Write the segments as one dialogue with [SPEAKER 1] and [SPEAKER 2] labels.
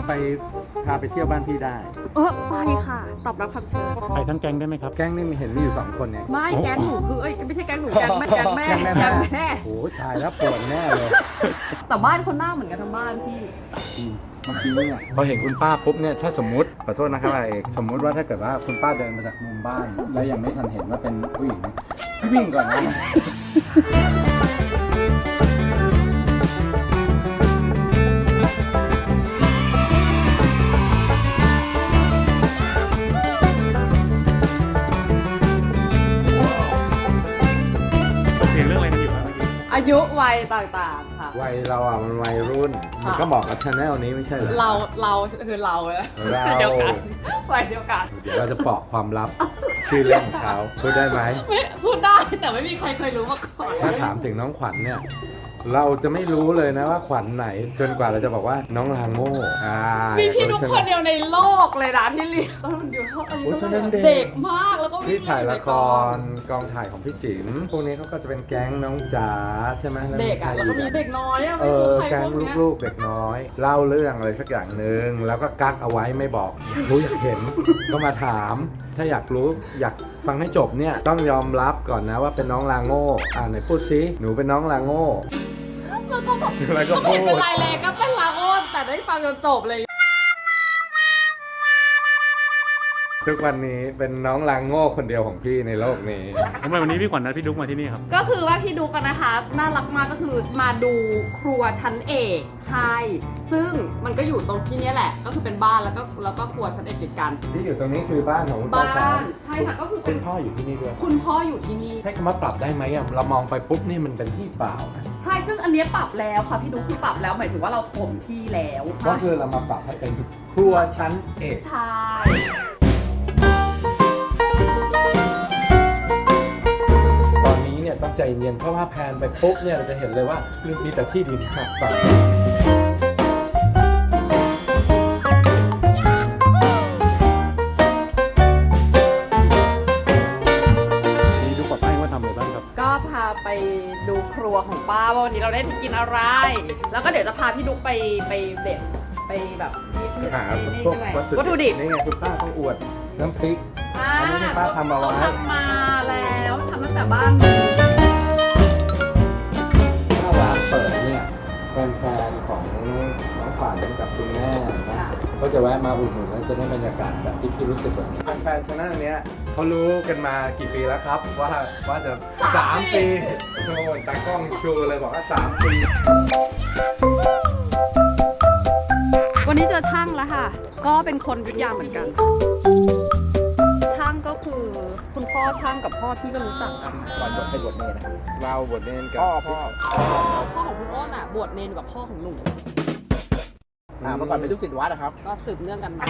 [SPEAKER 1] ไปพาไปเที่ยวบ้านพี่ได้
[SPEAKER 2] ไปค่ะตอบรับคำเชิญ
[SPEAKER 3] ไปทั้งแก๊งได้ไหมครับ
[SPEAKER 1] แก๊งนี่เห็นมีอยู่2คนเนี่ย
[SPEAKER 2] ไม่แก๊งหนูคือไม่ใช่แก๊งหนูแก๊งแม่แก๊งแม่แก๊งแม่
[SPEAKER 1] โอ้โหตายแล้วปวดแน่เลย
[SPEAKER 2] แต่บ้านคนหน้าเหมือนกันทั้งบ้านพี่
[SPEAKER 1] เมื่อกี้เนี่ยพอเห็นคุณป้าปุ๊บเนี่ยถ้าสมมติขอโทษนะครับเอกสมมุติว่าถ้าเกิดว่าคุณป้าเดินมาจากมุมบ้าน แล้วยังไม่ทันเห็นว่าเป็นผู้หญิงเนี่ยวิ่งก่อนนะ
[SPEAKER 3] เสียงเรื่องอะไรกันอยู่ครับเมื่อกี้
[SPEAKER 2] อายุวัยต่างๆค่ะ
[SPEAKER 1] วัยเราอ่ะมันวัยรุ่น มันก็เหมาะกับชาแนลนี้ไม่ใช่เหรอ
[SPEAKER 2] เราคือเรา
[SPEAKER 1] เรา
[SPEAKER 2] เดียวกันวัยเดียวกัน
[SPEAKER 1] เดี๋ยวเราจะปอกความลับชื่อเล่นของเขาพูดได้ไหม
[SPEAKER 2] ไม่พูดได้แต่ไม่มีใครเคยรู้มาก่อน
[SPEAKER 1] ถ้าถามถึงน้องขวัญเนี่ย เราจะไม่รู้เลยนะว่าขวัญไหนจนกว่าเราจะบอกว่าน้องลาโง่
[SPEAKER 2] มีพี่นุ๊กคนเดียวในโลกเลยนะที่เรียนตอนมันอยู่เท่าอายุเท่าไหร่เด็กมากแล้วก็วิ่
[SPEAKER 1] พี่
[SPEAKER 2] ง
[SPEAKER 1] ถ่าย
[SPEAKER 2] เน
[SPEAKER 1] ละ
[SPEAKER 2] ใน
[SPEAKER 1] ครกองถ่ายของพี่จิ๋มพวกนี้เขาก็จะเป็นแก๊งน้องจ๋าใช่ไหม
[SPEAKER 2] เด็กอ่ะแล้วก็มีเด็กน้อยอ่ะ
[SPEAKER 1] เอ
[SPEAKER 2] ไม่รู้
[SPEAKER 1] อ
[SPEAKER 2] ใคร
[SPEAKER 1] แก๊
[SPEAKER 2] พ
[SPEAKER 1] ง
[SPEAKER 2] วกเนี้ย
[SPEAKER 1] ลูกๆเด็กน้อย เล่าเรื่องอะไรสักอย่างหนึ่งแล้วก็กักเอาไว้ไม่บอกอยากรู้อยากเห็น ก็มาถาม ถ้าอยากรู้อยากฟังให้จบเนี่ยต้องยอมรับก่อนนะว่าเป็นน้องลาโง่ไหนพูดซิหนูเป็นน้องลาโง่
[SPEAKER 2] แล้วก็แบบ
[SPEAKER 1] แล้วก็
[SPEAKER 2] ก็
[SPEAKER 1] พู
[SPEAKER 2] ไม่
[SPEAKER 1] ด
[SPEAKER 2] เป็นไรเลยก็เป็นลาโอนแต่ได้ฟังจนจบเลย
[SPEAKER 1] ทุกวันนี้เป็นน้องลางโง่คนเดียวของพี่ในโลกนี้
[SPEAKER 3] ทำไมวันนี้พี่ขวัญนัดพี่ดุ๊กมาที่นี่ครับ
[SPEAKER 2] ก็คือว่าพี่ดุกันนะคะน่ารักมากก็คือมาดูครัวชั้นเอกให้ซึ่งมันก็อยู่ตรงที่เนี้ยแหละ ก็คือเป็นบ้านแล้วก็ครัวชั้นเอกติดกัน
[SPEAKER 1] ที่อยู่ตรงนี้คือบ้านของคุณ
[SPEAKER 2] บ้า
[SPEAKER 1] ป้าสาวน
[SPEAKER 2] ใช่ค่ะก็คือ
[SPEAKER 1] คุณพ่ออยู่ที่นี่ด้วย
[SPEAKER 2] คุณพ่ออยู่ที่นี่
[SPEAKER 1] ใช้คำว่าปรับได้ไหมอะเรามองไปปุ๊บนี่มันเป็นที่เปล่านะ
[SPEAKER 2] ใช่ซึ่งอันเนี้ยปรับแล้วค่ะพี่ดุคือปรับแล้วหมายถึงว่าเราถมที่แล้ว
[SPEAKER 1] ก็คือเรามาปรับให้เป็นครัวชั้นเอก
[SPEAKER 2] ใช่
[SPEAKER 1] ตอนนี้เนี่ยต้องใจเย็นเพราะว่าแพนไปปุ๊บเนี่ยเราจะเห็นเลยว่ามีแต่ที่ดินหักต่อนี่ดูกับป้ายว่าทำอะไรบ้างครับ
[SPEAKER 2] ก็พาไปดูครัวของป้าว่าวันนี้เราได้กินอะไร แล้วก็เดี๋ยวจะพาพี่ดุไปเด็ดไปแบบนี่
[SPEAKER 1] หา
[SPEAKER 2] นี่
[SPEAKER 1] พวก
[SPEAKER 2] ใช่ไหม
[SPEAKER 1] วัตถุดิบ
[SPEAKER 2] ดิบ
[SPEAKER 1] นี่ไงคุณป้าต้องอวดน้ำพริก
[SPEAKER 2] อ่า
[SPEAKER 1] อันนี้ที่ป้าทำเอาไว้
[SPEAKER 2] เขาทำมาแล้วทำตั้งแต่บ้าน
[SPEAKER 1] ถ้าร้านเปิดเนี่ยแฟนๆของน้องขวัญกับคุณแม่นะก็จะแวะมาอุดหนุนแล้วจะได้บรรยากาศแบบที่พี่รู้สึกแบบนี้แฟนๆชาแนลเนี้ยเขารู้กันมากี่ปีแล้วครับว่าจะ3 ปีโอ้ยตากล้องชูเลยบอกว่า3 ปี
[SPEAKER 2] วันนี้เจอช่างแล้วค่ะ ก็เป็นคนอยุทธยาเหมือนกัน ช่างก็คือคุณพ่อช่างกับพ่อพี่ก็รู้จักกัน
[SPEAKER 1] ก่อนบวชเนรนะครับเราบวชเนรกับพ่อ
[SPEAKER 2] พ่อของคุณอ้นอ่ะบวชเนนกับพ่อของหนู
[SPEAKER 4] เมื่อก่อนเป็นลูกศิษย์วัดนะครับ
[SPEAKER 2] ก็สืบเนื่องกันมา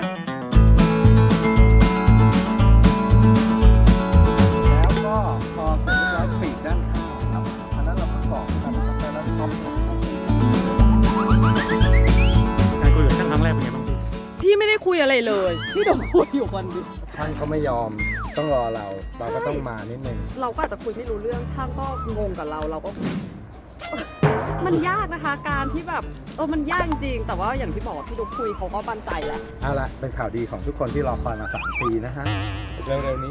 [SPEAKER 1] แล้วก็พอเสร็จเรียบร้อยปีกด้านข้างครับอันนั้นเราเพิ่งบอกนะครับแล้วก็
[SPEAKER 3] การคุยกับช่างครั้งแรกเป็นไงบ้างพี่
[SPEAKER 2] พี่ไม่ได้คุยอะไรเลย พี่โดนคุยอยู่คนเดียว
[SPEAKER 1] ช่างเขาไม่ยอมต้องรอเราก็ต้องมานิดนึง
[SPEAKER 2] เราก็อาจจะคุยไม่รู้เรื่องช่างก็งงกับเราก็ มันยากนะคะ การที่แบบมันยากจริงแต่ว่าอย่างที่บอกว่าพี่ดุคุยเขาก็มั่นใจแหละ
[SPEAKER 1] เอาละเป็นข่าวดีของทุกคนที่รอคอยมา3 ปีนะฮะเร็วๆนี้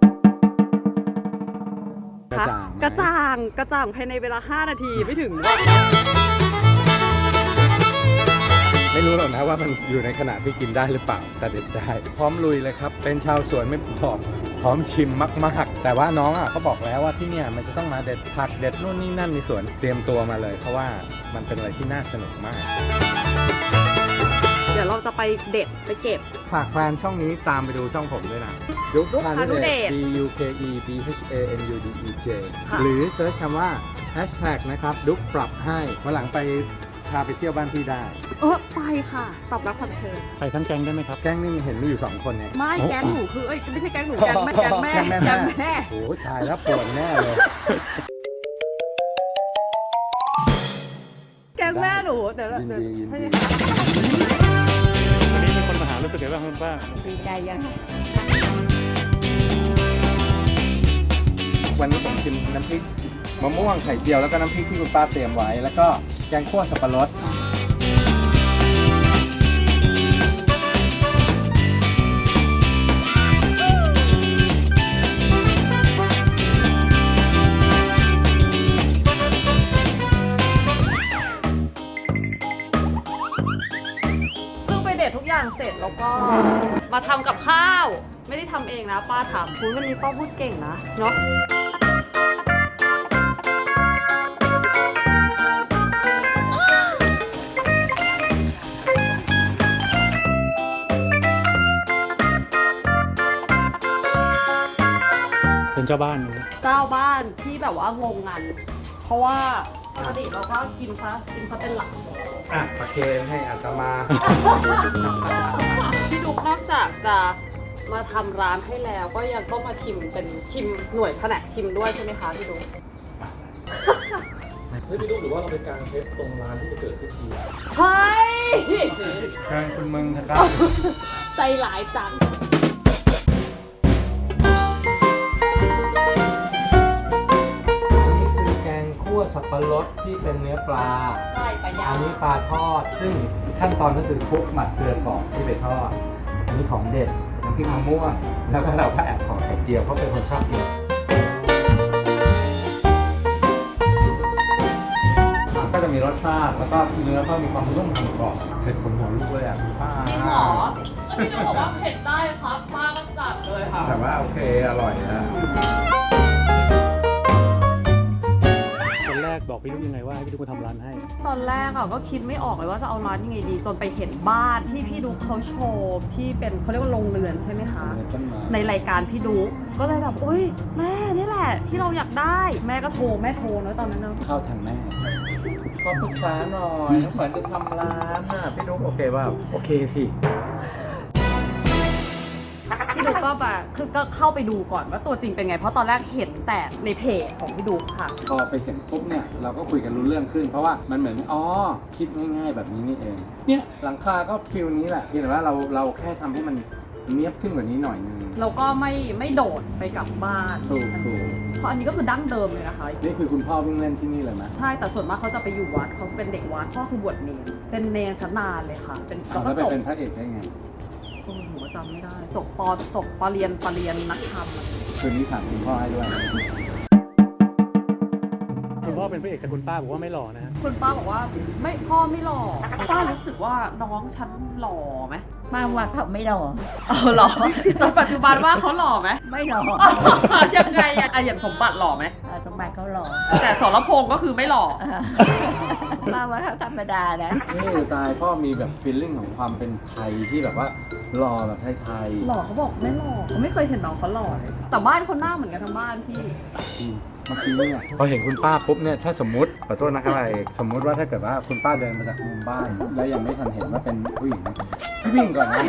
[SPEAKER 1] กระจ่างไหม
[SPEAKER 2] กระจ่างภายในเวลา5 นาทีไม่ถึง
[SPEAKER 1] ไม่รู้หรอกนะว่ามันอยู่ในขณะที่กินได้หรือเปล่าแต่เด็ดได้ พร้อมลุยเลยครับ เป็นชาวสวนไม่พอพร้อมชิมมากๆ แต่ว่าน้องเขาบอกแล้วว่าที่เนี่ยมันจะต้องมาเด็ดผักเด็ดนู่นนี่นั่นในสวนเตรียมตัวมาเลย เพราะว่ามันเป็นอะไรที่น่าสนุกมาก
[SPEAKER 2] เดี๋ยวเราจะไปเด็ดไปเก็บ
[SPEAKER 1] ฝากแฟนช่องนี้ตามไปดูช่องผมด้วยนะดุ๊ก
[SPEAKER 2] พานุเดช
[SPEAKER 1] D U K E B H A N U D E J
[SPEAKER 2] ค่ะ
[SPEAKER 1] หรือเซิร์ชคำว่า hashtag นะครับดุ๊กปรับให้วันหลังไปพาไปเที่ยวบ้านพี่ได้
[SPEAKER 2] ไปค่ะตอบรับคำเชิญ
[SPEAKER 3] ไปทั้งแก๊งได้ไหมครับ
[SPEAKER 1] แก๊งนี่เห็นมีอยู่2 คนเนี่ย
[SPEAKER 2] ไม่แก๊งหนูคือไม่ใช่แก๊งหนูแก๊งแม่แก๊งแม่
[SPEAKER 1] แก๊
[SPEAKER 2] แก๊
[SPEAKER 1] ง
[SPEAKER 2] ง
[SPEAKER 1] แม่
[SPEAKER 2] แม่
[SPEAKER 1] โอ้โหตายแล้วปวดแน่เลย
[SPEAKER 2] แก๊งแม่หนูเดี๋ยว
[SPEAKER 1] ยินดียินดี
[SPEAKER 2] ใช่ไหมคะ
[SPEAKER 3] วันนี้เป็นคนมาหารู้สึกไงบ้างคุณป้า
[SPEAKER 2] ดีใจยัง
[SPEAKER 1] วันนี้ผมชิมน้ำพริกมะม่วงไข่เจียวแล้วก็น้ำพริกที่คุณป้าเตรียมไว้ แล้วก็แกงคั่วสับปะรด
[SPEAKER 2] ษทุกอย่างเสร็จแล้วก็มาทำกับข้าว ไม่ได้ทำเองนะป้าทำคุณวันนี้ป้าพูดเก่งนะเนาะ
[SPEAKER 3] เป็นเจ้าบ้านเลย
[SPEAKER 2] เจ้าบ้านที่แบบว่างงงันเพราะว่าปกติเราก็กินซะเป็นหลัก
[SPEAKER 1] อ่ะประเคนให้อาตมา
[SPEAKER 2] พี่ดุ๊กนอกจากจะมาทำร้านให้แล้วก็ยังต้องมาชิมเป็นชิมหน่วยแผนกชิมด้วยใช่ไหมคะพี่ดุ๊ก
[SPEAKER 5] เฮ้ยพี่ลูกหรือว่าเราไปกางเทปตรงร้านที่จะเกิดขึ้นจริง
[SPEAKER 2] เฮ้ย
[SPEAKER 1] เชิญคุณมึงนะครับ
[SPEAKER 2] ใจหลายจัง
[SPEAKER 1] อันนี้คือแกงคั่วสับปะรดที่เป็นเนื้อปลา
[SPEAKER 2] ใช่ปลาย่า
[SPEAKER 1] อั
[SPEAKER 2] ง
[SPEAKER 1] นนี้ปลาทอด ซึ่งขั้นตอนก็คือคลุกหมักเกลือก่อนที่ไปทอด อันนี้ของเด็ดน้ำพริกมะม่วง แล้วก็เราก็แอบขอไข่เจียวเพราะเป็นคนชอบกินก็จะมีรสชาติ แล้วก็เนื้อก็มีความนุ่มกรอบเผ็ดขมหัวลูกเลยอ่ะคุณป้า
[SPEAKER 2] จริงเหรอแล้วพี่ดุ๊กบอกว่าเผ็ดได้ครับป้าก็จัดเลยค่ะ
[SPEAKER 1] แต่ว่าโอเค อร่อยนะ
[SPEAKER 3] คนแรกบอกพี่ลูกยังไงว่าให้พี่ลูกมาทำร้านให้
[SPEAKER 2] ตอนแรกอะก็คิดไม่ออกเลยว่าจะเอาร้านยังไงดี จนไปเห็นบ้านที่พี่ดุ๊กเขาโชว์ที่เป็นเขาเรียกว่าโรงเรือนใช่ไหมคะ ในรายการพี่ดุ๊กก็เลยแบบอุ้ยแม่นี่แหละที่เราอยากได้แม่ก็โทรเนอะตอนนั้นเนอะ
[SPEAKER 1] เข้าทางแม่ขอปรึกษาหน่อยน้องขวัญจะทำร้านน่ะพี่นุ๊กโอเคเปล่าโอเคสิ
[SPEAKER 2] พี่ดุ๊กก็แบบคือก็เข้าไปดูก่อนว่าตัวจริงเป็นไงเพราะตอนแรกเห็นแต่ในเพจของพี่ดุ๊กค่ะ
[SPEAKER 1] พอไปเห็นปุ๊บเนี่ยเราก็คุยกันรู้เรื่องขึ้น เพราะว่ามันเหมือนอ๋อคิดง่ายๆแบบนี้นี่เองเนี่ยหลังคาก็ฟิลนี้แหละเพียงแต่ว่าเราแค่ทำให้มันเนียบขึ้นกว่านี้หน่อยนึง
[SPEAKER 2] เราก็ไม่โดดไปกับบ้าน
[SPEAKER 1] ถูก
[SPEAKER 2] เพราะอันนี้ก็คือดั้งเดิมเลยนะคะ
[SPEAKER 1] นี่คือคุณพ่อเพิ่งเล่นที่นี่เลยไหม
[SPEAKER 2] ใช่แต่ส่วนมากเขาจะไปอยู่วัดเขาเป็นเด็กวัดพ่อคือบวชเนรเป็นเนรชั้นนานเลยค่ะ เป็น
[SPEAKER 1] แล้ว
[SPEAKER 2] ก็
[SPEAKER 1] ไป
[SPEAKER 2] จบ
[SPEAKER 1] เป็นพระเอกได้ไง
[SPEAKER 2] โอ้โหจำไม่ได้จบปเรียนนักธรรมอะ
[SPEAKER 1] คืนนี้ถามคุณพ่อให้ด้วย
[SPEAKER 3] คุณพ่อเป็นพระเอกแต่คุณป้าบอกว่าไม่หล่อนะฮะ
[SPEAKER 2] คุณป้าบอกว่าไม่พ่อไม่หล่อป้ารู้สึกว่าน้องฉันหล่อไหม
[SPEAKER 6] มาว่าเขาไม่หล่อ
[SPEAKER 2] เอาหล่อจนปัจจุบันว่าเขาหล่อไหม
[SPEAKER 6] ไม่หล่อ
[SPEAKER 2] ยังไงอะอย่างสมบัติหล่อไหม
[SPEAKER 6] สมบัติเขาหล่อ
[SPEAKER 2] แต่สรพงษ์ก็คือไม่หล่อ
[SPEAKER 6] มาว่าเขาธรรมดานะ
[SPEAKER 1] นี่ตายพ่อมีแบบฟีลลิ่งของความเป็นไทยที่แบบว่าหล่อแบบไทย
[SPEAKER 2] หล่อเขาบอกไม่หล่อเขาไม่เคยเห็นน้องเขาหล่อเลยแต่บ้านคนหน้าเหมือนกันทั้งบ้านพี่
[SPEAKER 1] ๆเมื่อกี้เนี่ยพอเห็นคุณป้าปุ๊บเนี่ยถ้าสมมุติขอโทษนะครับเอกสมมุติว่าถ้าเกิดว่าคุณป้าเดินมาจากมุมบ้าน แล้วยังไม่ทันเห็นว่าเป็นผู้หญิงนะวิ่งก่อนนะ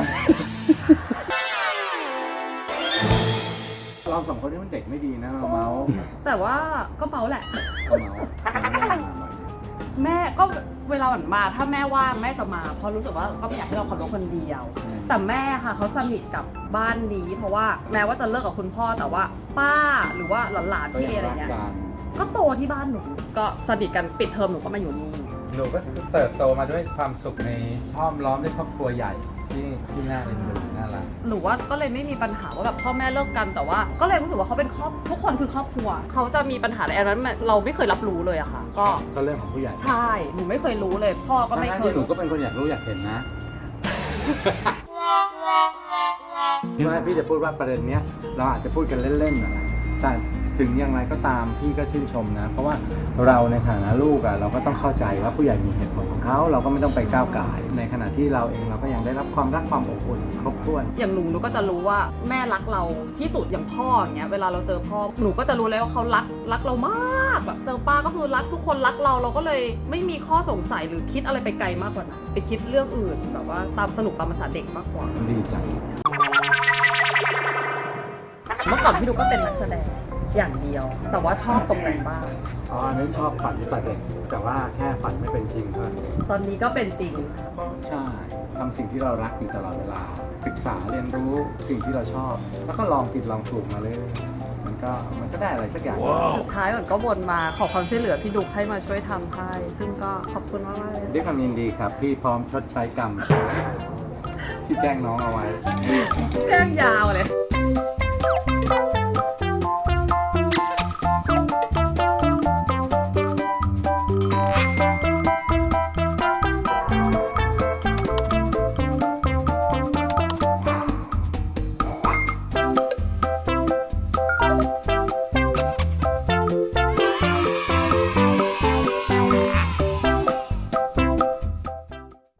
[SPEAKER 1] เราสองคนนี่มันเด็กไม่ดีนะเราเมาส์
[SPEAKER 2] แต่ว่าก็เมาแหละ
[SPEAKER 1] เราเมาส์
[SPEAKER 2] แม่ก็เวลาหวันมาถ้าแม่ว่างแม่จะมาเพราะรู้สึกว่าก็ไม่อยากให้เราขับรถคนเดียว แต่แม่ค่ะเขาสนิทกับบ้านนี้ เพราะว่าแม้ว่าจะเลิกกับคุณพ่อแต่ว่าป้าหรือว่าหลานๆ
[SPEAKER 1] ก็
[SPEAKER 2] พี่
[SPEAKER 1] ยัง
[SPEAKER 2] อะไร
[SPEAKER 1] รัก
[SPEAKER 2] เงี้ย
[SPEAKER 1] กัน
[SPEAKER 2] ก็โตที่บ้านหนูก็สนิทกันปิดเทอมหนูก็มาอยู่นี่
[SPEAKER 1] หนูก็เติบโตมาด้วยความสุขในอ้อมล้อมด้วยครอบครัวใหญ่ที่น่าเอ็นดูน่ารัก
[SPEAKER 2] หรือว่าก็เลยไม่มีปัญหาว่าแบบพ่อแม่เลิกกันแต่ว่า ก็เลยรู้สึกว่าเขาเป็นครอบทุกคนคือครอบครัวเขาจะมีปัญหาอะไรอันนั้นเราไม่เคยรับรู้เลยอะค่ะ ก็
[SPEAKER 1] ก็เรื่องของผู้ใหญ่
[SPEAKER 2] ใช่หนูไม่เคยรู้เลย พ่อก็ไม่
[SPEAKER 1] ทั้ง
[SPEAKER 2] เค
[SPEAKER 1] ที่
[SPEAKER 2] ย
[SPEAKER 1] หนูก็เป็นคนอยากรู้อยากเห็นนะ พี่ว่าพี่จะพูดว่าประเด็นเนี้ยเราอาจจะพูดกันเล่นๆนะแต่ถึงอย่างไรก็ตามพี่ก็ชื่นชมนะ เพราะว่าเราในฐานะลูกอะเราก็ต้องเข้าใจว่าผู้ใหญ่มีเหตุผลของเขาเราก็ไม่ต้องไปก้าวก่าย ในขณะที่เราเองเราก็ยังได้รับความรักความอบอุ่นครบถ้วน
[SPEAKER 2] อย่างหนูก็จะรู้ว่าแม่รักเราที่สุดอย่างพ่ออย่างเงี้ยเวลาเราเจอพ่อหนูก็จะรู้เลยว่าเขารักเรามากแบบเจอป้าก็คือรักทุกคนรักเราก็เลยไม่มีข้อสงสัยหรือคิดอะไรไปไกลมากกว่านั้นไปคิดเรื่องอื่นแบบว่าตามสนุกตามภาษาเด็กมากกว่า
[SPEAKER 1] ดีจัง
[SPEAKER 2] เมื่อก่อนพี่ดูก็เป็นนักแสดงอย่างเดียว แต่ว่าชอบตรงไหนบ้าง
[SPEAKER 1] อ๋ออันนี้ชอบฝันแต่เด็กแต่ว่าแค่ฝันไม่เป็นจริงเท่านั้นเอง
[SPEAKER 2] ตอนนี้ก็เป็นจริง
[SPEAKER 1] ใช่ทำสิ่งที่เรารักอยู่ตลอดเวลาศึกษาเรียนรู้สิ่งที่เราชอบ แล้วก็ลองผิดลองถูกมาเลยมันก็ได้อะไรสักอย่าง
[SPEAKER 2] สุดท้ายมันก็วนมาขอความช่วยเหลือพี่ดุกให้มาช่วยทำให้ซึ่งก็ขอบคุณมากๆเลย
[SPEAKER 1] ด้วยความยินดีครับ พี่พร้อมชดใช้กรรม ที่แจ้งน้องเอาไว้
[SPEAKER 2] แจ้งยาวเลย